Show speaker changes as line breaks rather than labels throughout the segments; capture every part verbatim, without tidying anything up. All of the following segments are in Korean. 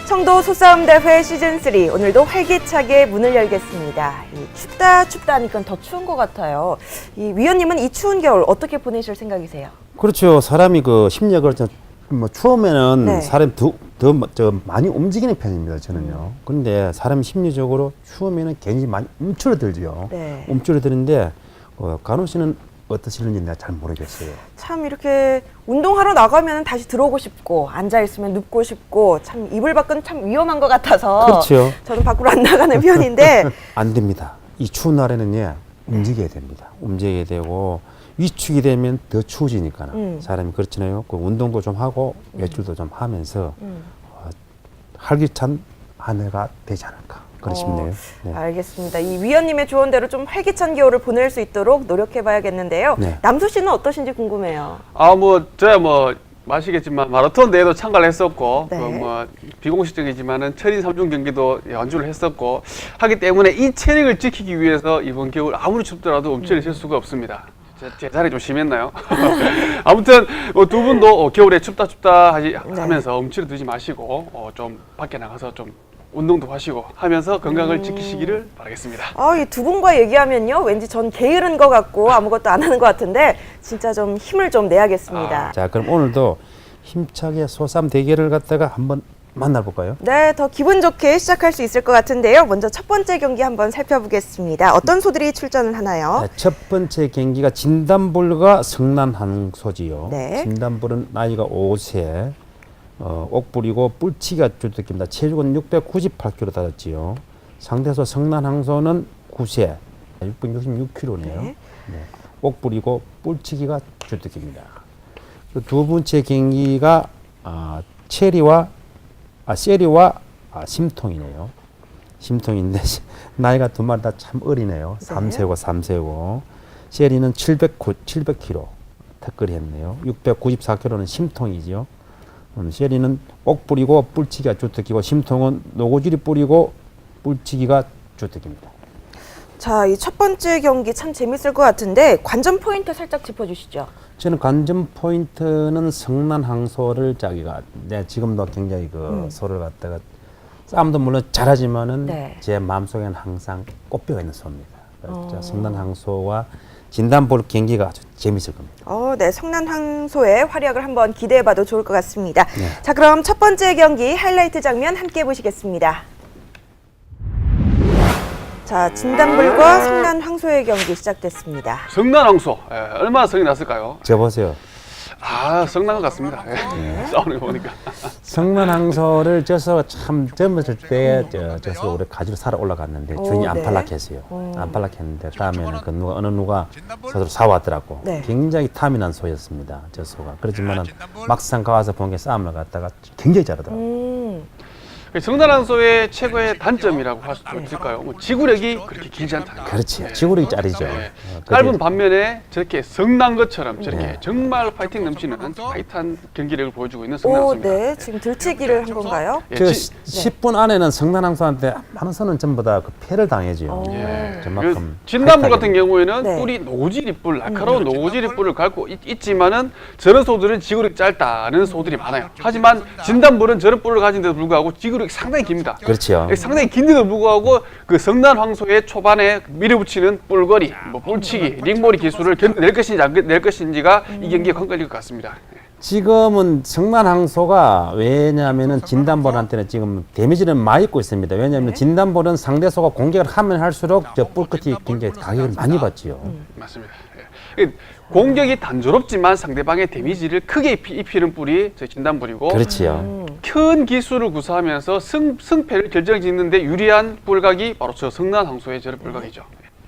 청도 소싸움 대회 시즌 삼 오늘도 활기차게 문을 열겠습니다. 이 춥다 춥다 하니까 더 추운 것 같아요. 이 위원님은 이 추운 겨울 어떻게 보내실 생각이세요?
그렇죠. 사람이 그 심리학을 뭐 추우면은
네. 사람이
더, 더 저 많이 움직이는 편입니다. 저는요. 음. 그런데 사람 심리적으로 추우면은 굉장히 많이 움츠러들죠.
네.
움츠러드는데 어, 간호 씨는 어떠시는지 내가 잘 모르겠어요.
참 이렇게 운동하러 나가면 다시 들어오고 싶고 앉아 있으면 눕고 싶고 참 이불 밖은 참 위험한 것 같아서
그렇죠.
저는 밖으로 안 나가는 편인데
안 됩니다. 이 추운 날에는 예, 움직여야 됩니다. 움직여야 되고 위축이 되면 더 추워지니까
음.
사람이 그렇잖아요. 그 운동도 좀 하고 외출도 좀 하면서
음.
어, 활기찬 한 해가 되지 않을까 그렇 싶네요.
어, 네. 알겠습니다. 이 위원님의 조언대로 좀 활기찬 겨울을 보낼 수 있도록 노력해봐야겠는데요. 네. 남수 씨는 어떠신지 궁금해요.
아, 뭐 저야 뭐 아시겠지만 마라톤 대회도 참가를 했었고,
네.
그 뭐 비공식적이지만은 철인 삼 종 경기도 연주를 했었고 하기 때문에 이 체력을 지키기 위해서 이번 겨울 아무리 춥더라도 움츠릴 쉴 수가 없습니다. 제, 제 자리 좀 심했나요? 아무튼 뭐 두 분도 어, 겨울에 춥다 춥다 하지,
네.
하면서 움츠러들지 마시고 어, 좀 밖에 나가서 좀 운동도 하시고 하면서 건강을
음.
지키시기를 바라겠습니다.
아, 이 두 분과 얘기하면요, 왠지 전 게으른 것 같고 아무것도 안 하는 것 같은데 진짜 좀 힘을 좀 내야겠습니다.
아, 자, 그럼 오늘도 힘차게 소싸움 대결을 갖다가 한번 만나볼까요?
네, 더 기분 좋게 시작할 수 있을 것 같은데요. 먼저 첫 번째 경기 한번 살펴보겠습니다. 어떤 소들이 출전을 하나요?
네, 첫 번째 경기가 진단불과 성난항소지요.
네.
진단불은 나이가 오 세, 어, 옥불이고 뿔치기가 주특기입니다. 체중은 육백구십팔 킬로그램 달았지요. 상대소 성난항소는 구 세, 육백육십육 킬로그램이네요.
네.
네. 옥불이고 뿔치기가 주특기입니다. 두 번째 경기가 아, 체리와 아, 세리와 아, 심통이네요. 심통인데 나이가 두 마리 다 참 어리네요.
네.
삼 세고 삼 세고. 세리는 칠백 킬로그램 턱걸이 했네요. 육백구십사 킬로그램는 심통이지요. 음, 세리는 옥불이고 뿔치기가 주특기고 심통은 노고지리 뿔이고 뿔치기가 주특기입니다.
자, 이 첫 번째 경기 참 재밌을 것 같은데 관전 포인트 살짝 짚어주시죠.
저는 관전 포인트는 성난항소를 자기가 네, 지금도 굉장히 그
음.
소를 갖다가 싸움도 물론 잘하지만은
네.
제 마음속에는 항상 꽃뼈가 있는 소입니다. 그래서
어.
성난항소와 진단볼 경기가 아주 재밌을 겁니다.
어, 네, 성난항소의 활약을 한번 기대해봐도 좋을 것 같습니다.
네.
자, 그럼 첫 번째 경기 하이라이트 장면 함께 보시겠습니다. 자, 진단불과 성난항소의 경기 시작됐습니다.
성난항소, 예, 얼마나 성이 났을까요?
저 보세요.
아, 성난 것 같습니다. 예. 싸우는 거 보니까.
성난항소를 져서 참 젊었을 때 저, 져서 우리 가지로 살아 올라갔는데
오,
주인이
네.
안팔락했어요.
오.
안팔락했는데 다음에는 그 누가 어느 누가 서로 사왔더라고.
네.
굉장히 탐이 난 소였습니다. 저 소가. 그렇지만은 막상 가와서 본 게 싸움을 갖다가 굉장히 잘하더라고.
음,
성난항소의 최고의 단점이라고 할 수 있을까요? 뭐 지구력이 그렇게 길지 않다.
그렇지. 지구력이 짜리죠.
네.
어,
짧은
그게-
반면에 저렇게 성난 것처럼 저렇게
네.
정말 파이팅 넘치는 파이트한 경기력을 보여주고 있는
오,
성난항소입니다.
네, 지금 들치기를 한 건가요?
예,
저
지-
십 분 안에는 성난항소한테 많은 선은 전부 다 그 패를 당해죠.
오.
예.
저만큼
그 진단불 같은
타이트하게.
경우에는
네.
뿔이 노지리 뿔, 날카로운 노지리 뿔을 갖고 있, 있지만은 저런 소들은 지구력이 짧다는 소들이 많아요. 하지만 진단불은 저런 뿔을 가진데도 불구하고 지구력이 상당히 깁니다.
그렇죠.
상당히 긴데도 불구하고 그 성난항소의 초반에 밀어붙이는 뿔거리, 뭐 뿔치기, 링몰이 기술을 견뎌낼 것인지 안 낼 것인지가 이 경기에 관건일 것 같습니다.
지금은 성난항소가 왜냐하면은 진단볼한테는 지금 데미지는 많이 입고 있습니다. 왜냐하면
네.
진단볼은 상대소가 공격을 하면 할수록 저 뿔끝이 굉장히 가격을 많이 받지요.
맞습니다. 예. 공격이 단조롭지만 상대방의 데미지를 크게 입히, 입히는 뿔이 저 진단불이고
그렇지요.
음,
큰 기술을 구사하면서 승, 승패를 결정짓는데 유리한 뿔각이 바로 저 성난항소의 저런 뿔각이죠.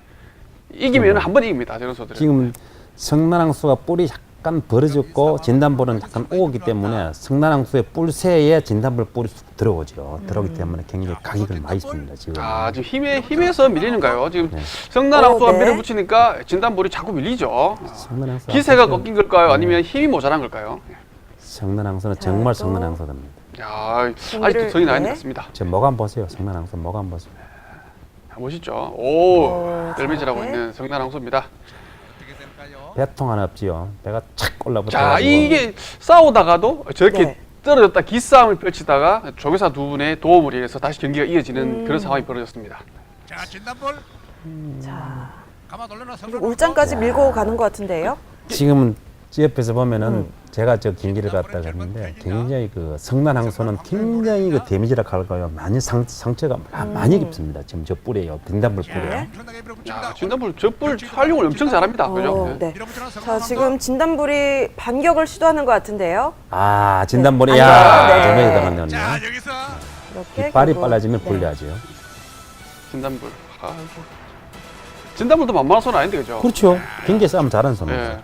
이기면 한 번 이깁니다. 저런 소들은.
지금 성난항소가 뿔이 약간 벌어졌고 진단볼은 약간 오기 때문에 성난항소의 뿔새에 진단볼 뿔이 쑥 들어오죠. 들어오기 때문에 굉장히 가격을 많이 씁니다. 지금.
아, 지금 힘에, 힘에서 밀리는가요? 지금
네.
성난항소가
어, 네.
밀어붙이니까 진단볼이 자꾸 밀리죠.
성난항소
기세가
앞에서
꺾인 걸까요? 아니면 힘이 모자란 걸까요?
성난항소는
자,
정말
또.
성난항소입니다.
야,
경기를-
아직도 성이 나 있는
네.
것 같습니다.
저 목 한번 보세요. 성난항소 목 한번 보세요.
멋있죠? 오,
오,
널매질하고
네.
있는 성난항소입니다.
배통 하나 없지요. 배가 착 올라붙어
자,
가지고
이게 싸우다가도 저렇게
네.
떨어졌다 기싸움을 펼치다가 조교사 두 분의 도움을 위해서 다시 경기가 이어지는
음.
그런 상황이 벌어졌습니다.
자, 진단볼.
자,
가만 올려놔.
울장까지 밀고 가는 것 같은데요.
지금은 옆에서 보면은
음.
제가 저 경기를 갔다 갔는데 굉장히 그 성난항소는 굉장히 그 데미지라 할까요? 많이 상, 상처가
음.
많이 깊습니다. 지금 저 뿔이에요. 빈단불 뿔이에요.
엄청나게 밀어붙입니다.
야, 진단불 저뿔 활용을 엄청 잘합니다.
어,
그죠? 네.
네. 자, 지금 진단불이 반격을 시도하는 것 같은데요.
아 진단불이
네.
야
네.
저번에 들어갔네요.
자, 여기서
이렇게
이빨이
결국-
빨라지면
네.
불리하죠.
진단불. 아이고. 진단불도 만만한 손 아닌데 그죠?
그렇죠. 경기 싸움 잘하는 선수죠.
예.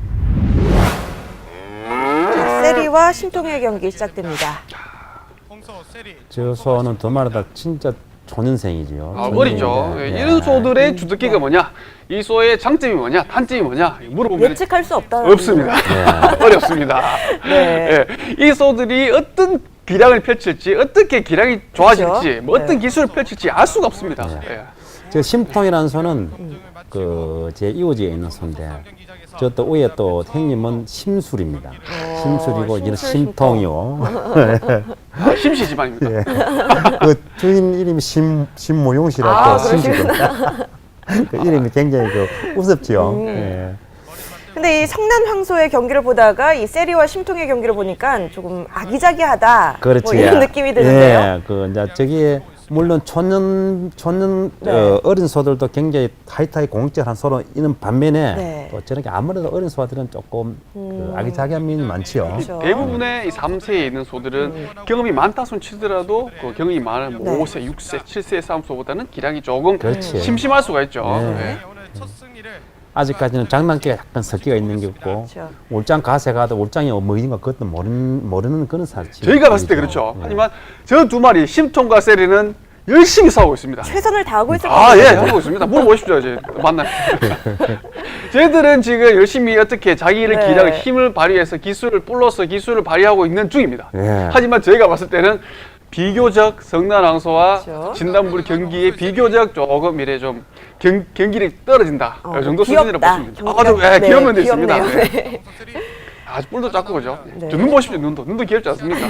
자, 세리와 심통의 경기 시작됩니다.
홍소 세리.
저 소는 두 마리 다 진짜 초년생이지요.
아, 어리죠. 예, 이런 소들의 주특기가 뭐냐? 이 소의 장점이 뭐냐? 단점이 뭐냐? 물어보면
예측할 수 없다.
없습니다. 어렵습니다.
네.
예, 이 소들이 어떤 기량을 펼칠지, 어떻게 기량이 좋아질지,
그렇죠.
뭐 어떤
네.
기술을 펼칠지 알 수가 없습니다.
네.
예.
저 심통이라는 소는 그 제 이호지에 있는 소인데 저 또 위에 또 형님은 심술입니다. 심술이고 이제는
심술,
심통이요.
아, 심시 지방입니다.
예. 그 주인 이름이 심 심모용 씨라고
아,
심씨입니다. 그 이름이 굉장히 그 우습지요.
음.
예.
근데 이 성난 황소의 경기를 보다가 이 세리와 심통의 경기를 보니까 조금 아기자기하다.
그렇지.
뭐 이런 느낌이 드는데요.
예, 그 이제 저기에 물론 초년 초년
네.
어, 어린 소들도 굉장히 타이타이 공격한 소로 있는 반면에
네.
또 저렇게 아무래도 어린 소들은 조금
음.
그 아기자기한 면이 많지요.
그렇죠.
대부분의 이 삼 세에 있는 소들은 경험이 많다 손 치더라도 그 경험이 많은 뭐
네.
오 세, 육 세, 칠 세의 싸움소보다는 기량이 조금
그렇지.
심심할 수가 있죠.
네.
예.
오늘 첫 승리를
아직까지는 장난기가 약간 섞여 있는 게 있고
그렇죠.
올장 가세 가도 올장이 뭐인가 그것도 모르는 모르는 그런 사실.
저희가 봤을 때 그렇죠. 하지만 저 두 마리 심통과 세리는 열심히 싸우고 있습니다.
최선을 다하고 있을
아, 예,
거거든요.
하고 있습니다. 물어보십시오, 이제. 만나요. 쟤들은 지금 열심히 어떻게 자기를
네.
기량을 힘을 발휘해서 기술을 뿔로서 기술을 발휘하고 있는 중입니다.
예.
하지만 저희가 봤을 때는 비교적 성난항소와
그렇죠.
진단불 경기에 비교적 조금 이래 좀 경, 경기력이 떨어진다.
어,
이 정도 수준이라고
귀엽다.
보시면 됩니다.
경기가-
아, 좀, 예,
네,
귀여운 면도 있습니다.
귀엽네요.
네.
네.
홍소 세리.
아주 뿔도 작고 그죠?
네.
저 눈 보십시오, 눈도. 눈도 귀엽지 않습니까?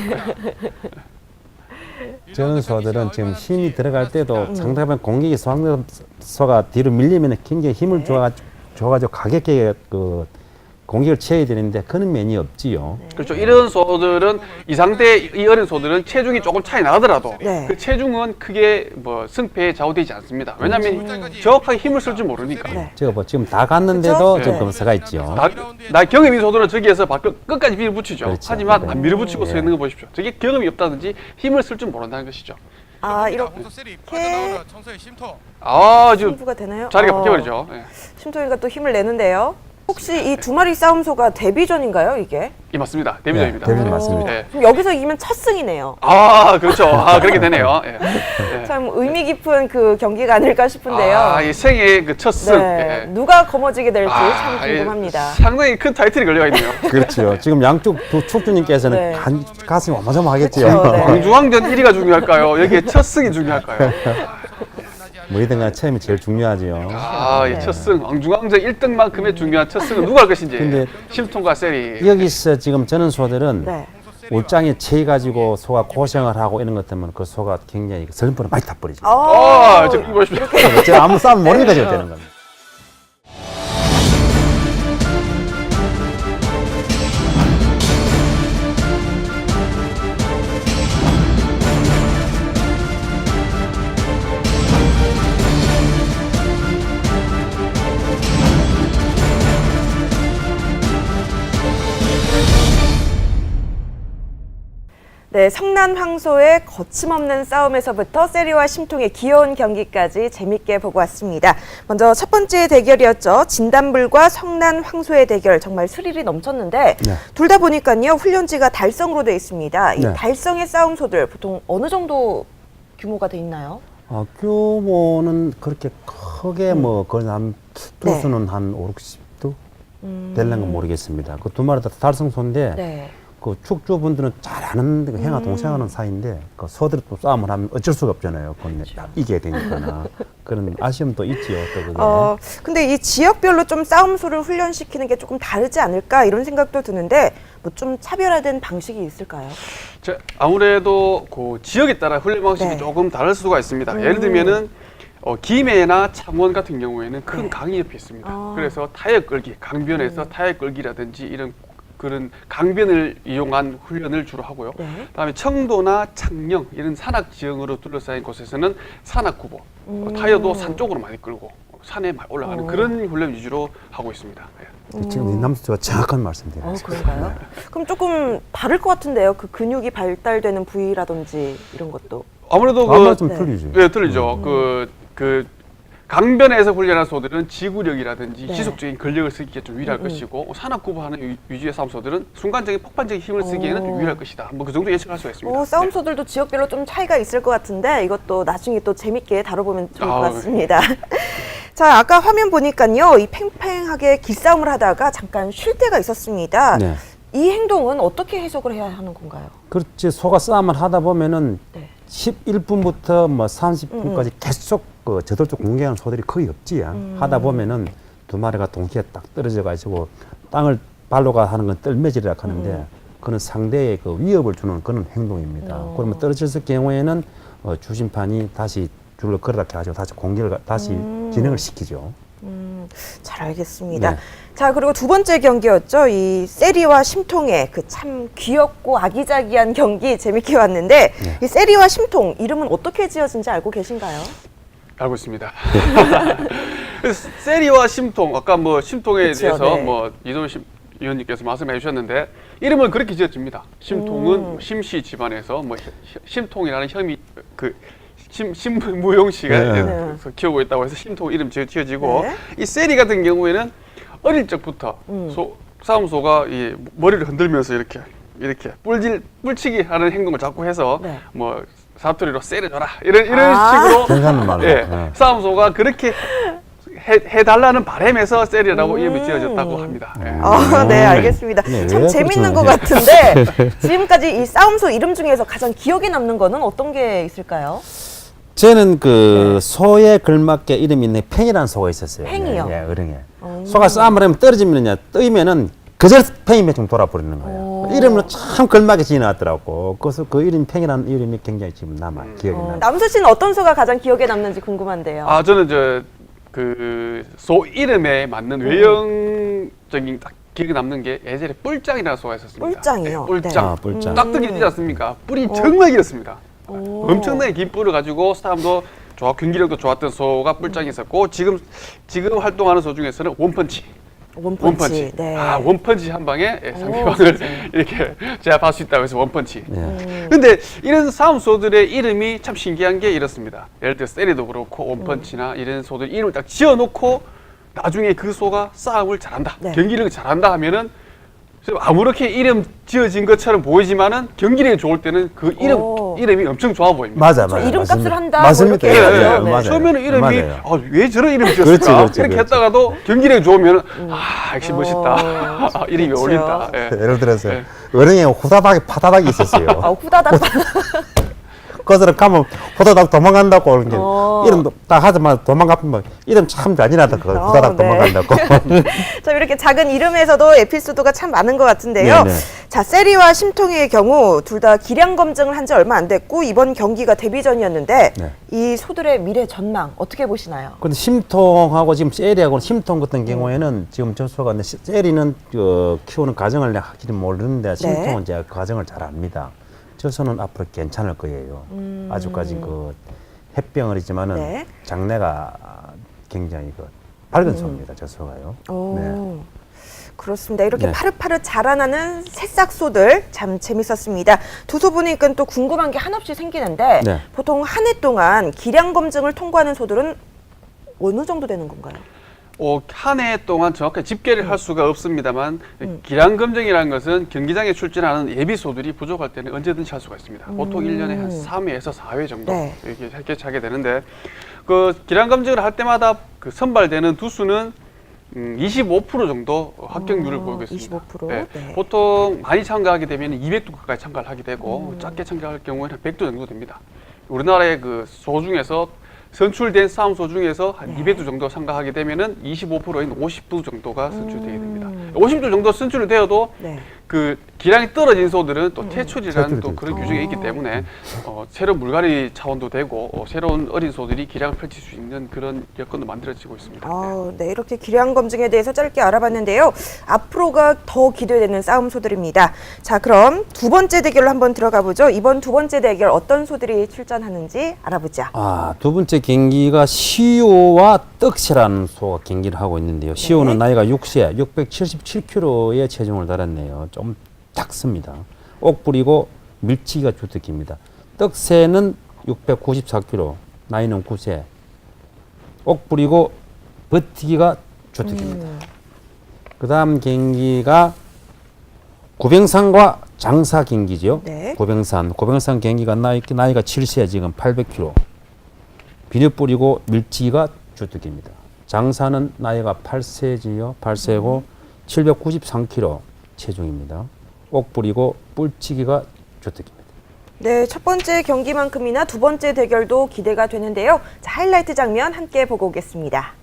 저런 소들은 지금 힘이 들어갈 때도
음.
상대방 공격이 소가 뒤로 밀리면 굉장히 힘을
네.
줘가지고, 줘가지고 가볍게 그 공격을 취해야 되는데 그런 면이 없지요.
그렇죠. 이런 소들은 이 상대 이 어린 소들은 체중이 조금 차이 나더라도
네.
그 체중은 크게 뭐 승패에 좌우되지 않습니다. 왜냐하면 정확하게 힘을 쓸 줄 모르니까.
네.
제가 뭐 지금 다 갔는데도
그쵸?
좀
네.
검사가 있죠.
나, 나 경험이 소들은 저기에서 바- 끝- 끝까지 밀어붙이죠.
그렇죠.
하지만
네.
안 밀어붙이고 서
네.
있는 거 보십시오. 저게 경험이 없다든지 힘을 쓸 줄 모른다는 것이죠.
아, 이렇게
홍소 세리 빠져나오는 청소의 심토.
아, 지금
승부가 되나요?
자리가
어,
바뀌어버리죠. 예.
심통이가 또 힘을 내는데요. 혹시 이 두 마리 싸움소가 데뷔전인가요, 이게?
이 맞습니다. 데뷔전입니다.
네, 데뷔전 맞습니다.
예.
그럼 여기서 이기면 첫 승이네요.
아, 그렇죠. 아, 그렇게 되네요. 예. 예.
참 의미 깊은 그 경기가 아닐까 싶은데요.
아, 이 생애 그 첫 승.
네,
예.
누가 거머쥐게 될지
아,
참
예.
궁금합니다.
상당히 큰 타이틀이 걸려가 있네요.
그렇죠. 지금 양쪽 두 축주님께서는
네.
간, 가슴이 어마어마하겠지요.
그렇죠, 네.
왕중왕전 일 위가 중요할까요? 여기에 첫 승이 중요할까요?
뭐이든 간에 처음이 제일 중요하지요.
아,
네.
이 첫 승, 왕중왕전 일 등만큼의 중요한 첫 승은 누가 할 것인지.
근데
심통과 세리.
여기서 지금 저는 소들은
네.
올장에 채 가지고 소가 고생을 하고 이런 것 때문에 그 소가 굉장히 슬럼프를 많이 타버리죠.
아,
어,
저 이거 보십시오.
제가 아무 싸움 모르니까 지금 되는 겁니다.
네, 성난 황소의 거침없는 싸움에서부터 세리와 심통의 귀여운 경기까지 재밌게 보고 왔습니다. 먼저 첫 번째 대결이었죠. 진단불과 성난 황소의 대결 정말 스릴이 넘쳤는데
네.
둘 다 보니까요 훈련지가 달성으로 돼 있습니다. 이
네.
달성의 싸움소들 보통 어느 정도 규모가 돼 있나요?
어, 규모는 그렇게 크게 뭐 거의 한
네.
투수는 한 오, 육십도 될는 건 모르겠습니다. 그 두 마리 다 달성소인데
네.
그 축주분들은 잘 아는 그 행하 동생하는 사이인데 그 소들이 또 싸움을 하면 어쩔 수가 없잖아요. 그건 딱 이겨야 되니까나 그런 아쉬움도 있지요. 또 그게.
어, 근데 이 지역별로 좀 싸움소를 훈련시키는 게 조금 다르지 않을까 이런 생각도 드는데 뭐 좀 차별화된 방식이 있을까요?
자, 아무래도 그 지역에 따라 훈련 방식이
네.
조금 다를 수가 있습니다.
음.
예를 들면은 어, 김해나 창원 같은 경우에는 큰
네.
강이 옆에 있습니다.
아.
그래서 타협 끌기, 강변에서
음.
타협 끌기라든지 이런 그런 강변을 이용한 훈련을 주로 하고요.
네.
그다음에 청도나 창녕 이런 산악 지형으로 둘러싸인 곳에서는 산악구보, 어,
음.
타협도 산 쪽으로 많이 끌고 산에 많이 올라가는
어.
그런 훈련 위주로 하고 있습니다. 예.
지금 임남수가 정확한 말씀드려요.
어, 그런가요? 그럼 조금 다를 것 같은데요. 그 근육이 발달되는 부위라든지 이런 것도.
아무래도 그
아마 좀
네.
틀리죠.
네, 틀리죠. 그, 그, 강변에서 훈련한 소들은 지구력이라든지
네.
지속적인 근력을 쓰기에 좀 유리할
음, 음.
것이고, 산악구보하는 위- 위주의 싸움소들은 순간적인 폭발적인 힘을 쓰기에는 좀
오.
유리할 것이다. 뭐 그 정도 예측할 수가 있습니다.
어, 싸움소들도 지역별로 좀 차이가 있을 것 같은데 이것도 나중에 또 재밌게 다뤄보면 좋을 것
아우.
같습니다. 자, 아까 화면 보니까요. 이 팽팽하게 기싸움을 하다가 잠깐 쉴 때가 있었습니다.
네.
이 행동은 어떻게 해석을 해야 하는 건가요?
그렇지. 소가 싸움을 하다 보면은
네.
십일 분부터 뭐 삼십 분까지
음,
계속 그 저돌적 공격하는 소들이 거의 없지.
음.
하다 보면은 두 마리가 동시에 딱 떨어져 가지고 땅을 발로가 하는 건 떨매질이라 하는데
음.
그는 상대의 그 위협을 주는 그런 행동입니다.
어.
그러면 떨어졌을 경우에는 어, 주심판이 다시 줄을 걸어다 가지고 다시 공격을 가- 다시
음.
진행을 시키죠.
음, 잘 알겠습니다.
네.
자, 그리고 두 번째 경기였죠. 이 세리와 심통의 그 참 귀엽고 아기자기한 경기 재밌게 봤는데
네.
이 세리와 심통 이름은 어떻게 지어진지 알고 계신가요?
알고 있습니다. 그래서 세리와 심통, 아까 뭐 심통에
그쵸,
대해서
네.
뭐 이동훈 심- 위원님께서 말씀해 주셨는데, 이름은 그렇게 지어집니다. 심통은
음.
심씨 집안에서 뭐 혀- 심통이라는 혐이 그 심, 심무용 씨가
네.
예,
네.
그래서 키우고 있다고 해서 심통 이름 지어, 지어지고,
네.
이 세리 같은 경우에는 어릴 적부터
음.
소, 싸움소가 이 머리를 흔들면서 이렇게 이렇게 뿔질 뿔치기 하는 행동을 자꾸 해서
네.
뭐 사투리로 세려줘라 이런 이런
아.
식으로
괜찮은 말로.
예,
네.
싸움소가 그렇게 해, 해달라는 바람에서 세리라고
음.
이름이 지어졌다고 합니다. 예.
아, 네,
음.
알겠습니다.
네,
참
왜
재밌는 것
그렇죠?
같은데 지금까지 이 싸움소 이름 중에서 가장 기억에 남는 거는 어떤 게 있을까요?
저는 그 소에 걸맞게 이름이 있는 팽이라는 소가 있었어요.
팽이요?
예, 예, 어령에.
음.
소가 싸움을 하면 떨어지면요, 뜨이면은 그저 팽이 매중 돌아버리는 거예요.
오.
이름은 참 걸맞게 지어놨더라고. 그래서 그 이름 팽이라는 이름이 굉장히 지금 남아 요 기억이
어,
나요.
남수 씨는 어떤 소가 가장 기억에 남는지 궁금한데요.
아 저는 저 그 소 이름에 맞는 외형적인 딱 기억에 남는 게 예전에 뿔짱이라는 소가 있었습니다.
뿔짱이요?
예, 뿔짱.
아, 뿔짱.
깍두기
음.
있지 않습니까? 뿔이
어.
정말 길었습니다.
오.
엄청나게 긴 뿔을 가지고 싸움도 좋아, 경기력도 좋았던 소가 뿔짱이 있었고, 지금 지금 활동하는 소 중에서는 원펀치.
원펀치.
원펀치.
네.
아, 원펀치 한 방에 예,
오,
상대방을
진짜요?
이렇게 제압할 수 있다고 해서 원펀치.
네.
음.
근데 이런 싸움 소들의 이름이 참 신기한 게 이렇습니다. 예를 들어 세리도 그렇고 원펀치나 이런 소들 이름을 딱 지어놓고 나중에 그 소가 싸움을 잘한다,
네.
경기력을 잘한다 하면은 아무렇게 이름 지어진 것처럼 보이지만은 경기력이 좋을 때는 그 이름
오.
이름값이 엄청 좋아 보입니다.
맞아,
저
맞아.
이름값을
맞습니다.
한다, 뭐
맞습니다.
이렇게
예,
해야죠.
예,
네.
맞아요.
처음에는 이름이
맞아요.
아, 왜 저런 이름 지었을까?
그렇지, 그렇지,
이렇게
그렇지.
했다가도 경기력이 좋으면 아 역시 멋있다.
어,
아, 이름이
그렇죠.
어울린다. 예.
예를 들어서
네.
어령에 후다닥이 파다닥이 있었어요.
아, 후다닥.
그들은 가면 후다닥 도망간다고 그런 게
어.
이름도 딱 하자마자 도망가면 이름 참 잔인하다. 그
어,
후다닥
네.
도망간다고.
자, 이렇게 작은 이름에서도 에피소드가 참 많은 것 같은데요.
네, 네.
자, 세리와 심통의 경우 둘 다 기량 검증을 한 지 얼마 안 됐고 이번 경기가 데뷔전이었는데
네.
이 소들의 미래 전망 어떻게 보시나요?
근데 심통하고 지금 세리하고 심통 같은 경우에는 지금 저수가 근데 세리는 그 키우는 과정을 내가 확실히 모르는데 심통은 제가 그 과정을 잘 압니다. 저수는 앞으로 괜찮을 거예요.
음.
아주까지 그 햇병을이지만은
네.
장래가 굉장히 그 밝은 소입니다. 저수가요.
오,
네.
그렇습니다. 이렇게
네.
파릇파릇 자라나는 새싹소들 참 재밌었습니다. 두 소 보니까 또 궁금한 게 한없이 생기는데
네.
보통 한 해 동안 기량 검증을 통과하는 소들은 어느 정도 되는 건가요?
어, 한 해 동안 정확하게 집계를
음.
할 수가 없습니다만 기량 검증이라는 것은 경기장에 출전하는 예비소들이 부족할 때는 언제든지 할 수가 있습니다. 보통 일 년에 한 삼 회에서 사 회 정도
네.
이렇게 개최하게 되는데, 그 기량 검증을 할 때마다 그 선발되는 두수는 음, 이십오 퍼센트 정도 합격률을
어,
보이고 있습니다.
이십오 퍼센트? 네.
보통 많이 참가하게 되면 이백 두 가까이 참가를 하게 되고,
음.
작게 참가할 경우에는 백 두 정도 됩니다. 우리나라의 그 소 중에서 선출된 싸움소 중에서 한
네.
이백 두 정도 참가하게 되면은 이십오 퍼센트인 오십 두 정도가 선출되게 됩니다.
음.
오십 두 정도 선출이 되어도
네.
그 기량이 떨어진 소들은 또 퇴출이라는
퇴출이
또 그런
되죠.
규정이 있기 때문에 어, 새로운 물갈이 차원도 되고 어, 새로운 어린 소들이 기량을 펼칠 수 있는 그런 여건도 만들어지고 있습니다.
아, 네, 이렇게 기량 검증에 대해서 짧게 알아봤는데요. 앞으로가 더 기대되는 싸움 소들입니다. 자, 그럼 두 번째 대결로 한번 들어가 보죠. 이번 두 번째 대결 어떤 소들이 출전하는지 알아보자.
아, 두 번째 경기가 시오와 떡새라는 소가 경기를 하고 있는데요. 시오는 나이가 육 세, 육백칠십칠 킬로그램의 체중을 달았네요. 좀 작습니다. 옥불이고 밀치기가 주특기입니다. 떡새는 육백구십사 킬로그램, 나이는 구 세. 옥불이고 버티기가 주특기입니다.
음.
그 다음 경기가 구병산과 장사 경기죠.
네.
구병산. 구병산 경기가 나이, 나이가 칠 세, 지금 팔백 킬로그램. 비늘뿌리고 밀치기가 주특기입니다. 장사는 나이가 팔 세지요. 팔 세고 칠백구십삼 킬로그램 체중입니다. 옥뿌리고 뿔치기가 주특기입니다.
네, 첫 번째 경기만큼이나 두 번째 대결도 기대가 되는데요. 자, 하이라이트 장면 함께 보고 오겠습니다.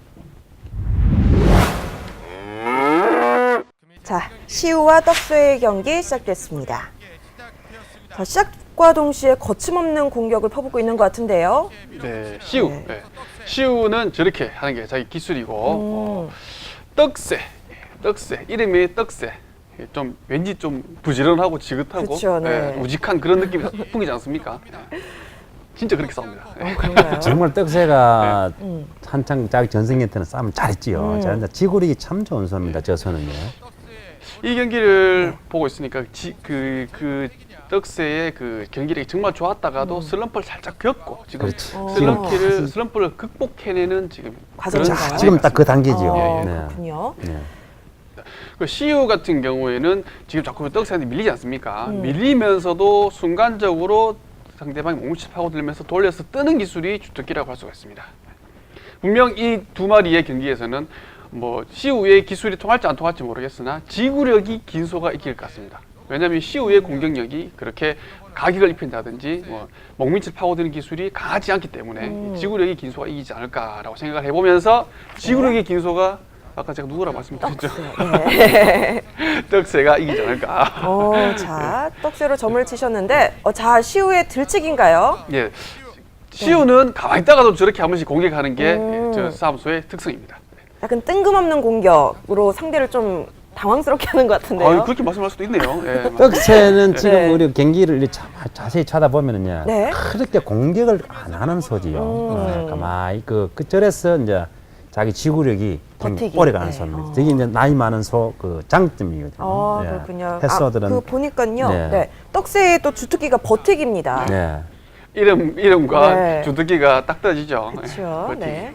자, 시우와 떡새의 경기 시작됐습니다. 자, 시작과 동시에 거침없는 공격을 퍼붓고 있는 것 같은데요.
네, 시우.
네.
네. 시우는 저렇게 하는 게 자기 기술이고 어, 떡새, 떡새 이름이 떡새. 좀 왠지 좀 부지런하고 지긋하고
그쵸, 네.
예, 우직한 그런 느낌이 풍기지 않습니까? 예. 진짜 그렇게 싸웁니다. 예.
어, 그런가요?
정말 떡새가
음.
한창 자기 전성기 때는 싸움 잘했지요.
음.
잘했는데 지구력이 참 좋은 소입니다. 저 소는요.
이 경기를
네.
보고 있으니까 지, 그, 그 떡새의 그 경기력이 정말 좋았다가도 슬럼프를 살짝 겪고 지금
그렇지.
어.
슬럼프를 슬럼프를 극복해내는 지금
과정인가요?
그런
지금 딱 그
상황이
단계지요.
어,
예, 예.
네.
그렇군요.
네.
그 시우 같은 경우에는 지금 자꾸 떡새한테 밀리지 않습니까?
음.
밀리면서도 순간적으로 상대방이 몸을 파고들면서 돌려서 뜨는 기술이 주특기라고 할 수가 있습니다. 분명 이 두 마리의 경기에서는 뭐 시우의 기술이 통할지 안 통할지 모르겠으나 지구력이 긴 소가 이길 것 같습니다. 왜냐하면 시우의 공격력이 그렇게 가격을 입힌다든지 뭐 먹밑을 파고드는 기술이 강하지 않기 때문에
음.
지구력이 긴 소가 이기지 않을까라고 생각을 해보면서 지구력이 긴 소가 아까 제가 누구라고 말씀드렸죠?
네.
떡새가 이기지 않을까.
어, 자, 떡새로 점을 치셨는데, 어, 자, 시우의 들치기인가요?
예, 시우는 가만히 있다가도 저렇게 한 번씩 공격하는 게
음.
저 싸움소의 특성입니다.
약간 뜬금없는 공격으로 상대를 좀 당황스럽게 하는 것 같은데요.
아, 그렇게 말씀할 수도 있네요. 예,
떡새는 지금
네.
우리 경기를 이렇게 자, 자세히 찾아보면은요,
네.
그렇게 공격을 안 하는 소지요.
음.
어, 가만히 그, 그 절에서 이제 자기 지구력이 좀
버티기.
오래 가는
네.
소입니다.
어.
저게 이제 나이 많은 소 그 장점이거든요.
아,
예.
그렇군요.
햇소들은
아, 그 보니까요. 네.
네.
떡새의 또 주특기가 버티기입니다.
네.
이름 이름과
네.
주특기가 딱 떨어지죠.
그쵸,
예,
네.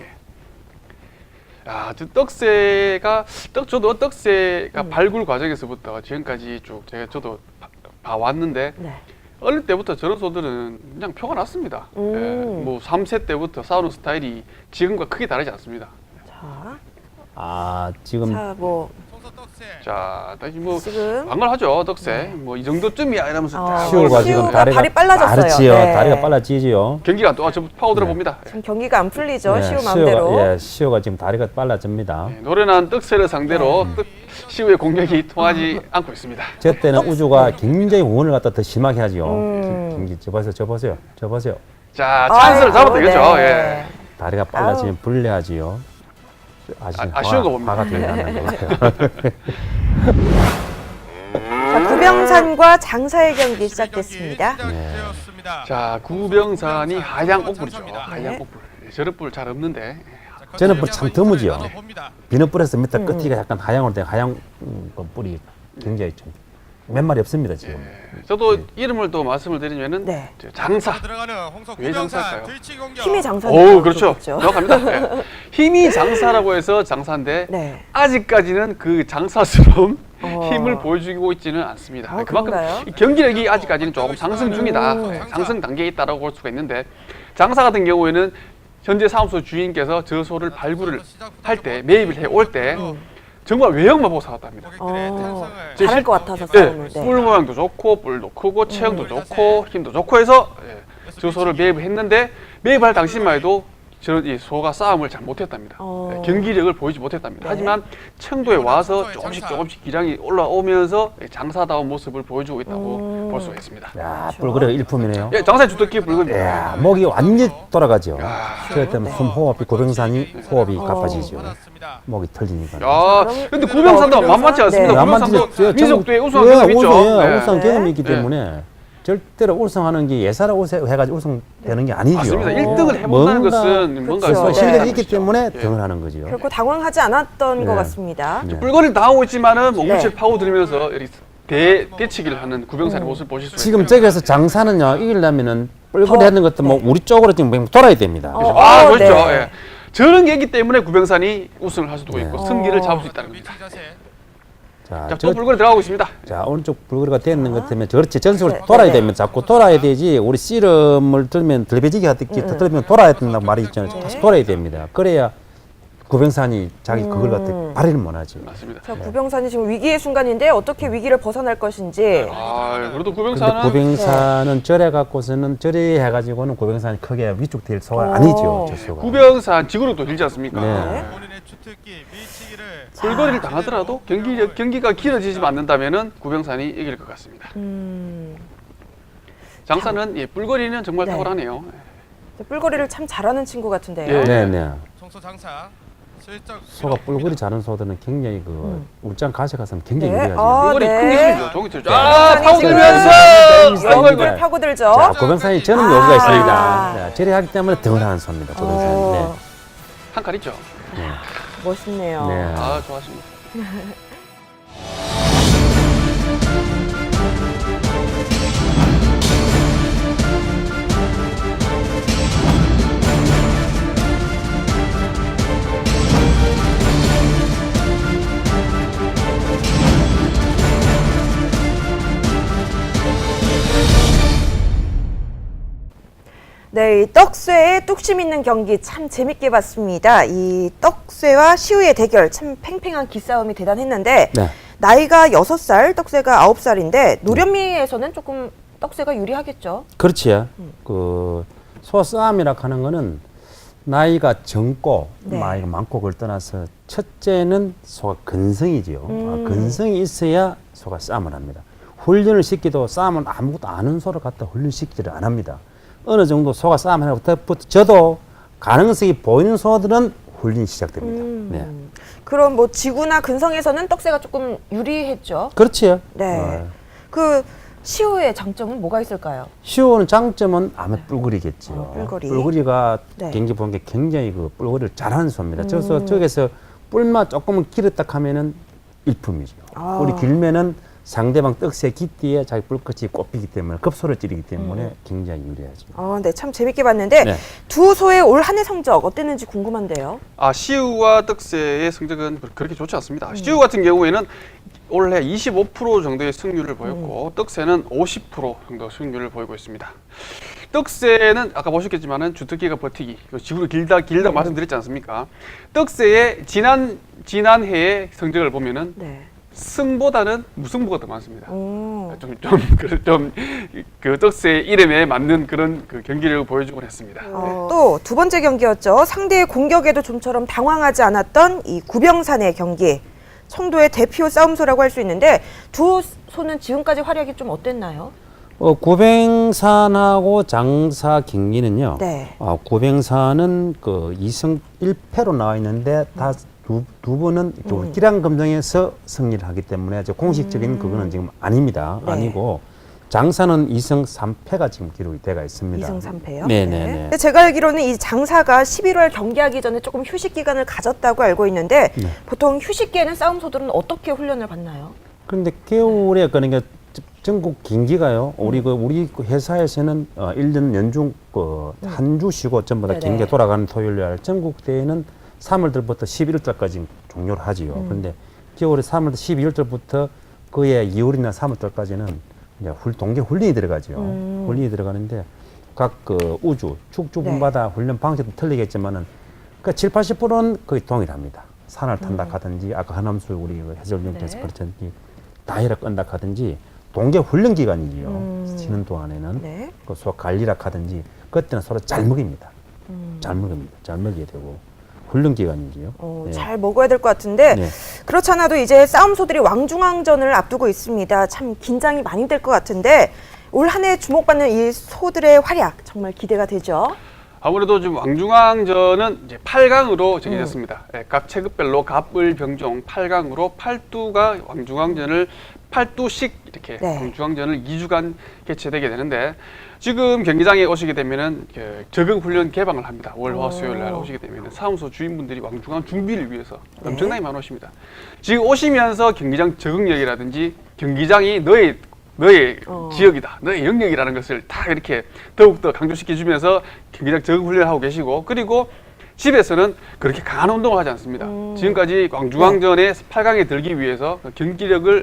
야, 저 떡새가 떡 저도 떡새가
음.
발굴 과정에서부터 지금까지 쭉 제가 저도 봐- 봐왔는데
네.
어릴 때부터 저런 소들은 그냥 표가 났습니다.
음.
예, 뭐 삼 세 때부터 싸우는 스타일이 지금과 크게 다르지 않습니다.
자,
아, 지금
자, 뭐,
송서 떡새.
자, 다시 뭐
지금.
방관하죠 떡새. 뭐 이 정도쯤이야 이러면서
어.
딱
시우가
시우가
지금
발이
다리가
빨라졌어요.
빠르지요.
네.
다리가 빨라지지요.
경기가 또 저 파고들어
네.
봅니다.
지금 경기가 안 풀리죠.
네,
시우 마음대로.
시우가, 예, 시우가 지금 다리가 빨라집니다.
예, 노련한 떡새를 상대로
네.
떡 시우의 공격이 통하지 않고 있습니다.
저 때는 우주가 굉장히 응원을 갖다 더 심하게 하지요.
음.
경기 저 보세요, 저 보세요, 저 보세요.
자, 찬스를
아이고,
잡아도 되겠죠.
네.
예.
다리가 빨라지면 불리하지요. 아시,
아, 아쉬운 거 봅니다.
화가 되게 나는 것 같아요.
자, 구병산과 장사의 경기 시작됐습니다.
시작되었습니다.
자, 구병산이 하양 옥불이죠.
네.
하양 옥불. 예, 저런 불 잘 없는데.
자,
저는
거칠
뭐 참
양말
드무지요.
입고 나눠봅니다.
비눗불에서 밑에
음.
끝이가 약간 하양으로 된 하양 음, 그 뿔이 굉장히 좀 몇 마리 없습니다 지금.
예, 저도 이름을 또 말씀을 드리면은
네.
저 장사.
바로 들어가는 홍서
왜 장사일까요?
구병산 들치 공격.
힘이 장사.
오, 그렇죠. 정확합니다. 예. 힘이 장사라고 해서 장사인데
네.
아직까지는 그 장사스러운
어.
힘을 보여주고 있지는 않습니다.
아,
그만큼
그런가요?
이 경기력이 아직까지는 조금 상승 중이다.
음.
예, 상승 단계에 있다라고 볼 수가 있는데 장사 같은 경우에는 현재 사무소 주인께서 저 소를 발굴을 할 때 매입을 해 올 때 정말 외형만 보고 사왔답니다.
고객들의
어.
탄성을
제
잘할
실-
것 같아서
예,
싸움을. 네.
뿔 모양도 좋고 뿔도 크고 체형도 좋고 힘도 좋고 해서 예, 저 소를 매입을 했는데 매입할 당시만 해도 저런 이 소가 싸움을 잘 못했답니다.
어.
네, 경기력을 보이지 못했답니다.
네.
하지만 청도에 와서
청도의
조금씩
장사.
조금씩 기량이 올라오면서 장사다운 모습을 보여주고 있다고
음.
볼 수가 있습니다.
야, 뿔그레가 일품이네요.
예, 장사의 주특기 붉은.
야, 목이 완전히 돌아가죠.
야.
그렇기 때문에 숨 호흡이 고병산이 호흡이
어.
가빠지죠.
받았습니다.
목이 털리니까.
야,
그럼-
근데 구병산도
어,
만만치 않습니다.
네.
구병산도 민속도에 우승한
예,
경험이 있죠.
우승, 예,
네.
우승 경험이 있기
네.
때문에 절대로 우승하는 게 예사를 우승해가지고 우승되는 게 아니죠.
맞습니다.
어.
일 등을 해본다는
뭔가
것은 뭔가
그렇죠.
그래서
네.
실력이 있기 때문에
예.
등을 하는 거죠.
결코 당황하지 않았던
네.
것 같습니다.
네.
뿔거리를 당하고 있지만은 몸무게를
네.
파고들면서 이렇게 대, 대치기를 하는 구병산의 모습을 보실 수
지금
있습니다.
저기서 장사는요 이기려면은 뿔거리
더,
하는 것도 뭐
네.
우리 쪽으로 지금 돌아야 됩니다.
어.
아,
어,
그렇죠.
네.
예. 저런 게 있기 때문에 구병산이 우승을 할 수도
네.
있고
어.
승기를 잡을 수 있다는 겁니다.
위치 자세.
자,
자,
저,
또 뿔거리 들어가고 있습니다.
자 오른쪽 불거리가 되는 것 때문에 그렇지 전속으로
네,
돌아야
네, 네.
됩니다. 자꾸 돌아야 되지. 우리 씨름을 들면 들배지기 하듯이
음,
들면 돌아야 된다고 말이 있잖아요.
네.
다시 돌아야 됩니다. 그래야 구병산이 자기 그걸 갖다
음.
발휘를 못하죠.
맞습니다.
자, 구병산이 지금 위기의 순간인데 어떻게 위기를 벗어날 것인지.
아, 그래도
근데
구병산은
구병산은 절에 갖고서는 절에 해가지고는 구병산이 크게 위축될 소가
어.
아니죠. 저 소가.
구병산 지구력도 길지 않습니까?
네.
본인의 주특기 밀치기를
뿔거리를 당하더라도 경기 경기가 길어지지 않는다면은 구병산이 이길 것 같습니다.
음,
장사는 예, 뿔거리는 정말
네.
탁월하네요.
뿔거리를 참 잘하는 친구 같은데요.
예.
네, 네.
청소 장사 슬쩍
소가 뿔거리 자는 소들은 굉장히 그
음.
울장 가셔가서는 굉장히
네.
유리하죠.
아,
뿔거리
네.
큰 기술이죠. 종이 틀죠.
네.
아,
구병산이
파고들면서
지금
아이고,
연구를
아이고.
파고들죠.
자, 구병산이 저는
아.
여기가 있습니다. 네, 절에 하기 때문에 등을 하는 소입니다. 구병산이.
어,
한 칼 있죠.
네.
멋있네요.
네.
아, 좋아하십니다.
네, 이 떡쇠의 뚝심 있는 경기 참 재밌게 봤습니다. 이 떡쇠와 시우의 대결 참 팽팽한 기싸움이 대단했는데
네.
나이가 여섯 살, 떡쇠가 아홉 살인데 노련미에서는 조금 떡쇠가 유리하겠죠.
그렇지.
음.
그 소싸움이라 하는 거는 나이가 젊고
네.
나이가 많고 그걸 떠나서 첫째는 소가 근성이지요.
음.
아, 근성이 있어야 소가 싸움을 합니다. 훈련을 시키도 싸움은 아무것도 아는 소를 갖다 훈련시키지를 안 합니다. 어느 정도 소가 싸움을 하고 저도 가능성이 보이는 소들은 훈련이 시작됩니다.
음.
네.
그럼 뭐 지구나 근성에서는 떡쇠가 조금 유리했죠.
그렇지요.
네.
어,
그 시우의 장점은 뭐가 있을까요?
시오는 장점은 아마 뿔거리겠지요.
어, 뿔거리.
가
네.
경기 보는 게 굉장히 그 뿔거리를 잘하는 소입니다.
음.
그래서 저기서 뿔만 조금은 길었다 하면은 일품이죠.
아.
뿔이 길면은 상대방 떡새 깃띠에 자기 뿔끝이 꼽히기 때문에 급소를 찌르기 때문에
음.
굉장히 유리하죠.
아, 네, 참 재밌게 봤는데
네.
두 소의 올 한 해 성적 어땠는지 궁금한데요.
아, 시우와 떡새의 성적은 그렇게 좋지 않습니다.
음.
시우 같은 경우에는 올해 이십오 퍼센트 정도의 승률을
음.
보였고 떡새는 오십 퍼센트 정도 승률을 보이고 있습니다. 떡새는 아까 보셨겠지만은 주특기가 버티기, 지구로 길다 길다
음.
말씀드렸지 않습니까? 떡새의 지난 지난 해의 성적을 보면은
네.
승보다는 무승부가 더 많습니다.
오.
좀좀그좀그 떡새의 이름에 맞는 그런 그 경기력을 보여주곤 했습니다.
어, 또 두 번째 경기였죠. 상대의 공격에도 좀처럼 당황하지 않았던 이 구병산의 경기. 청도의 대표 싸움소라고 할 수 있는데 두 소는 지금까지 활약이 좀 어땠나요?
어, 구병산하고 장사 경기는요.
네.
어, 구병산은 그 이승 일 패로 나와 있는데 다 두 두 분은
음.
기량 검정에서 승리를 하기 때문에 저 공식적인
음.
그거는 지금 아닙니다.
네.
아니고 장사는 이승 삼 패가 지금 기록이 돼가 있습니다.
이승 삼 패요?
네네네.
근데 제가 알기로는 이 장사가 십일월 경기하기 전에 조금 휴식 기간을 가졌다고 알고 있는데
네.
보통 휴식기에는 싸움소들은 어떻게 훈련을 받나요?
그런데 겨울에 그러니까 전국 경기가요. 우리 그 우리 그 회사에서는 어, 일 년 연중 그 한 주 쉬고 전부 다
네네.
경기가 돌아가는 토요일 날 전국 대회는 삼월 달부터 십일월 달까지 종료를 하지요.
음.
그런데 겨울에 삼월 십이월 달부터 그해 이월이나 삼월 달까지는 이제 훌, 동계 훈련이 들어가죠.
음.
훈련이 들어가는데 각 그 우주 축주분마다 훈련 방식도 틀리겠지만은 그 칠, 팔십 퍼센트는 거의 동일합니다. 산을 탄다 하든지 아까 하남수 우리 그 해설위원께서
네.
그렇든지 다이라 끈다 하든지 동계 훈련 기간이지요.
음.
쉬는 동안에는
네.
그 소 관리라 하든지 그때는 서로 잘 먹입니다.
음.
잘 먹습니다. 잘 먹게 되고 훈련 기간이지요.
어,
네.
잘 먹어야 될 것 같은데
네.
그렇지 않아도 이제 싸움소들이 왕중왕전을 앞두고 있습니다. 참 긴장이 많이 될 것 같은데 올 한 해 주목받는 이 소들의 활약 정말 기대가 되죠.
아무래도 좀 왕중왕전은 이제 팔 강으로 정해졌습니다. 예, 각 체급별로 갑을 병종 팔 강으로 팔두가 왕중왕전을 팔두씩 이렇게
네.
왕중왕전을 이 주간 개최되게 되는데 지금 경기장에 오시게 되면은 그 적응 훈련 개방을 합니다. 월, 화, 수요일 날 오시게 되면은 사무소 주인분들이 왕중왕 준비를 위해서
네.
엄청나게 많이 오십니다. 지금 오시면서 경기장 적응력이라든지 경기장이 너의 너의
어.
지역이다, 너의 영역이라는 것을 다 이렇게 더욱더 강조시켜주면서 경기장 적응 훈련을 하고 계시고 그리고 집에서는 그렇게 강한 운동을 하지 않습니다.
음.
지금까지 왕중왕전에 팔 강에 들기 위해서 경기력을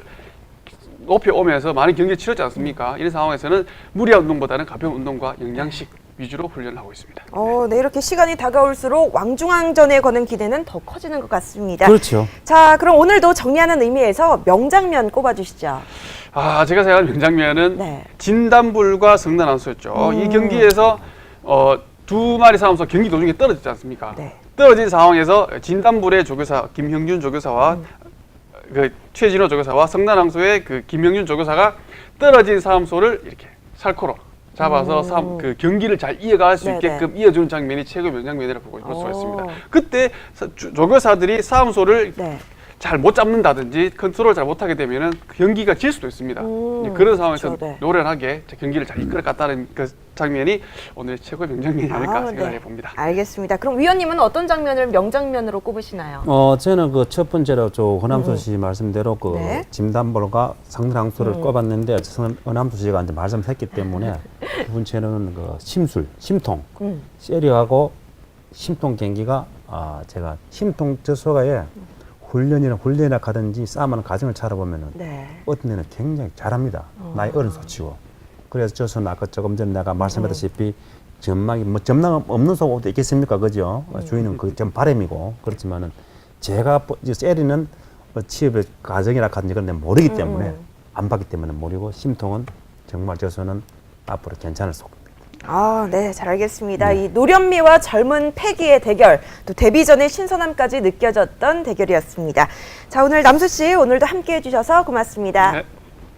높여오면서 많은 경기를 치렀지 않습니까? 이런 상황에서는 무리한 운동보다는 가벼운 운동과 영양식 위주로 훈련을 하고 있습니다.
어, 네, 이렇게 시간이 다가올수록 왕중왕전에 거는 기대는 더 커지는 것 같습니다.
그렇죠.
자, 그럼 오늘도 정리하는 의미에서 명장면 꼽아주시죠.
아, 제가 생각하는 명장면은
네.
진단불과 성난함수였죠.
음.
이 경기에서 어, 두 마리 싸움에서 경기 도중에 떨어졌지 않습니까?
네.
떨어진 상황에서 진단불의 조교사 김형준 조교사와
음.
그 최진호 조교사와 성난함수의 그 김형준 조교사가 떨어진 싸움소를 이렇게 살코로 잡아서
음.
싸움, 그 경기를 잘 이어갈 수
네네.
있게끔 이어주는 장면이 최고 명장면이라고 볼 수가
오.
있습니다. 그때 사- 조- 조교사들이 싸움소를
네.
잘 못 잡는다든지 컨트롤 잘 못하게 되면은 그 경기가 질 수도 있습니다.
음,
이제 그런 상황에서
그렇죠, 네.
노련하게 경기를 잘 이끌어갔다는 그 장면이 오늘 최고의 명장면이 아닐까
아,
생각해
네.
봅니다.
알겠습니다. 그럼 위원님은 어떤 장면을 명장면으로 꼽으시나요?
어, 저는 그 첫 번째로 저 허남수 씨 말씀대로 그
네.
진단볼과 상당수를
음.
꼽았는데 저는 허남수 씨가 이제 말씀했기 때문에 두 번째는 그 심술, 심통,
음.
세리하고 심통 경기가 아 제가 심통 저소가에 훈련이나 훈련이나 가든지 싸움하는 과정을 찾아보면은
네.
어떤 데는 굉장히 잘합니다.
어.
나이 어른 소치고. 그래서 저는 아까 조금 전에 내가 말씀했다시피 전망이 뭐 전망 없는 속도 있겠습니까, 그죠?
음.
주인은 그좀 바람이고 그렇지만은 제가 보- 이제 세리는 뭐 취업의 과정이라 하든지 그런 데 모르기 때문에
음.
안 봤기 때문에 모르고 심통은 정말 저서는 앞으로 괜찮을 속.
아, 네, 잘 알겠습니다.
네.
이 노련미와 젊은 패기의 대결, 또 데뷔 전의 신선함까지 느껴졌던 대결이었습니다. 자, 오늘 남수 씨 오늘도 함께해 주셔서 고맙습니다.
네.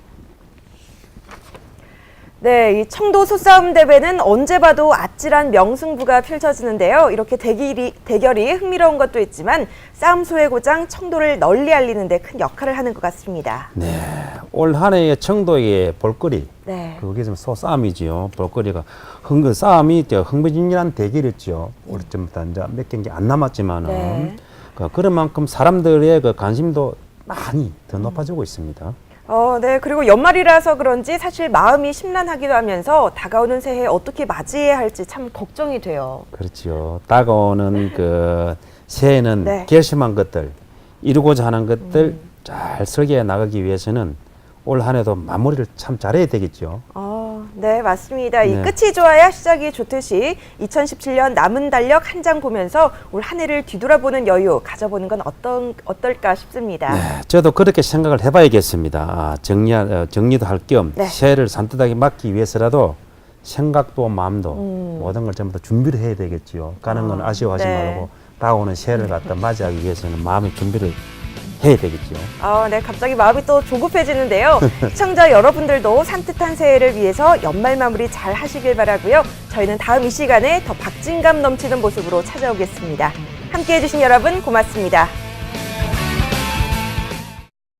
네, 이 청도 소싸움 대회는 언제 봐도 아찔한 명승부가 펼쳐지는데요. 이렇게 대결이, 대결이 흥미로운 것도 있지만 싸움소의 고장 청도를 널리 알리는 데 큰 역할을 하는 것 같습니다.
네. 올 한 해의 청도의 볼거리
네.
그게 좀 소싸움이지요. 볼거리가 흥그 싸움이 저 흥미진진한 대결이었죠. 우리 좀부터 이제 몇 경기 안 남았지만은
네.
그 그런 만큼 사람들의 그 관심도 많이 더 높아지고 있습니다.
어, 네. 그리고 연말이라서 그런지 사실 마음이 심란하기도 하면서 다가오는 새해 어떻게 맞이해야 할지 참 걱정이 돼요.
그렇죠. 다가오는 그 새해는
네.
결심한 것들, 이루고자 하는 것들 잘 설계해 나가기 위해서는 올 한 해도 마무리를 참 잘해야 되겠죠.
어, 네, 맞습니다. 이
네.
끝이 좋아야 시작이 좋듯이 이천십칠 년 남은 달력 한 장 보면서 올 한 해를 뒤돌아보는 여유 가져보는 건 어떤 어떨까 싶습니다.
네, 저도 그렇게 생각을 해봐야겠습니다. 아, 정리 어, 정리도 할 겸
네.
새해를 산뜻하게 맞기 위해서라도 생각도 마음도
음.
모든 걸 전부 다 준비를 해야 되겠지요. 가는 건
아,
아쉬워하지
네.
말고 다가오는 새해를 갖다 맞이하기 위해서는 마음의 준비를 해야 되겠죠.
아, 네, 갑자기 마음이 또 조급해지는데요. 시청자 여러분들도 산뜻한 새해를 위해서 연말 마무리 잘 하시길 바라고요. 저희는 다음 이 시간에 더 박진감 넘치는 모습으로 찾아오겠습니다. 함께해 주신 여러분 고맙습니다.